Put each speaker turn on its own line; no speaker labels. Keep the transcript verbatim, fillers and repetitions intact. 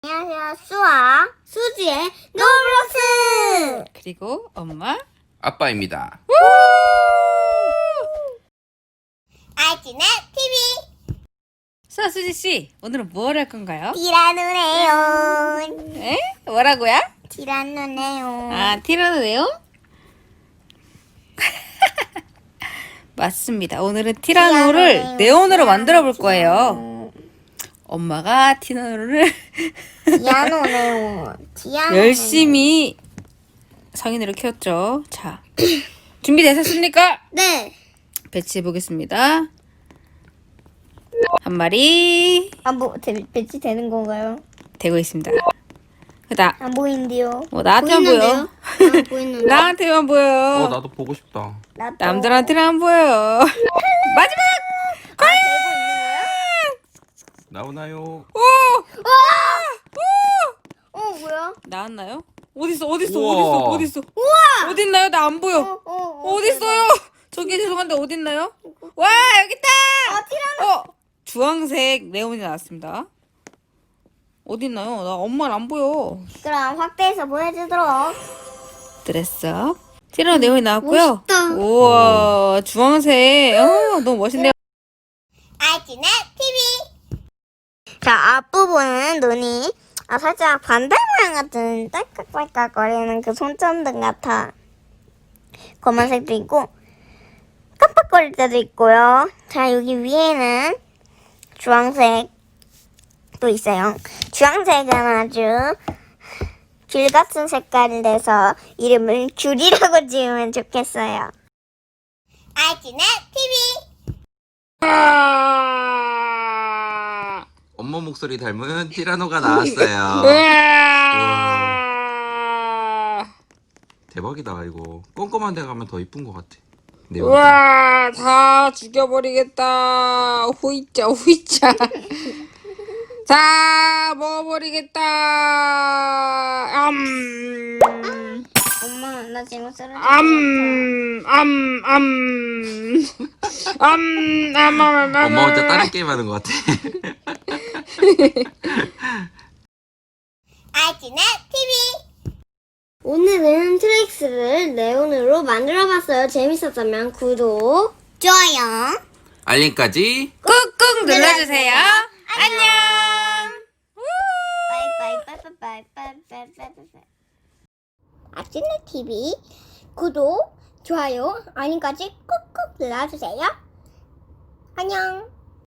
안녕하세요. 수아, 수지의 노블록스!
그리고 엄마
아빠입니다.
아이티넷 티비
수아 수지씨, 오늘은 뭘 할 건가요?
티라노네온
에? 뭐라고요?
티라노네온
아, 티라노네온? 맞습니다. 오늘은 티라노를
티라노네온,
네온으로 만들어 볼
티라노.
거예요. 엄마가 티라노를
티아노네온 티아노
열심히 성인으로 키웠죠. 자, 준비되셨습니까?
네.
배치해 보겠습니다. 한 마리
아, 뭐, 대, 배치 되는 건가요?
되고 있습니다. 나,
안 보이는데요.
어, 나한테만 보여.
아, 보이는데.
나한테만 보여.
어 나도 보고 싶다.
나도.
남들한테는 안 보여. 마지막!
아, 되고 있는 거예요?
나오나요?
오!
어, 뭐야?
나왔나요? 어딨어, 어딨어,
우와.
어딨어, 어딨어. 우와! 어딨나요? 나 안 보여.
어, 어, 어.
어딨어요? 저기 죄송한데 어딨나요? 와, 여기 있다!
아, 티라노.
어! 주황색 네온이 나왔습니다. 어딨나요? 나 엄마를 안 보여.
그럼 확대해서 보여주도록.
드레스업. 티라노 네온이 나왔고요.
멋있다.
우와, 주황색. 어, 너무 멋있네요.
아이티넷 티비. 자, 앞부분은 눈이 아, 살짝 반달 모양 같은 딸깍딸깍거리는 그 손전등 같아. 검은색도 있고 깜빡거릴 때도 있고요. 자, 여기 위에는 주황색도 있어요. 주황색은 아주 귤 같은 색깔이 돼서 이름을 귤이라고 지으면 좋겠어요. 아이티넷 티비.
엄마 목소리 닮은 티라노가 나왔어요. 우와. 대박이다 이거. 꼼꼼한 데 가면 더 이쁜 것 같아. 네,
우와, 다 죽여버리겠다. 후이짜, 후이짜. 자, 먹어버리겠다. 암,
엄마, 나 지금 쓰러져.
암, 암, 암. 암, 암, 암, 암.
엄마 혼자 다른 게임 하는 것 같아.
아이티넷 티비. 오늘은 트릭스를 네온으로 만들어봤어요. 재밌었다면 구독, 좋아요,
알림까지.
꾹꾹 눌러주세요. 안녕.
빠이빠이빠이빠이빠이빠이빠이. 아이티넷 티비 구독, 좋아요, 알림까지 꾹꾹 눌러주세요. 안녕.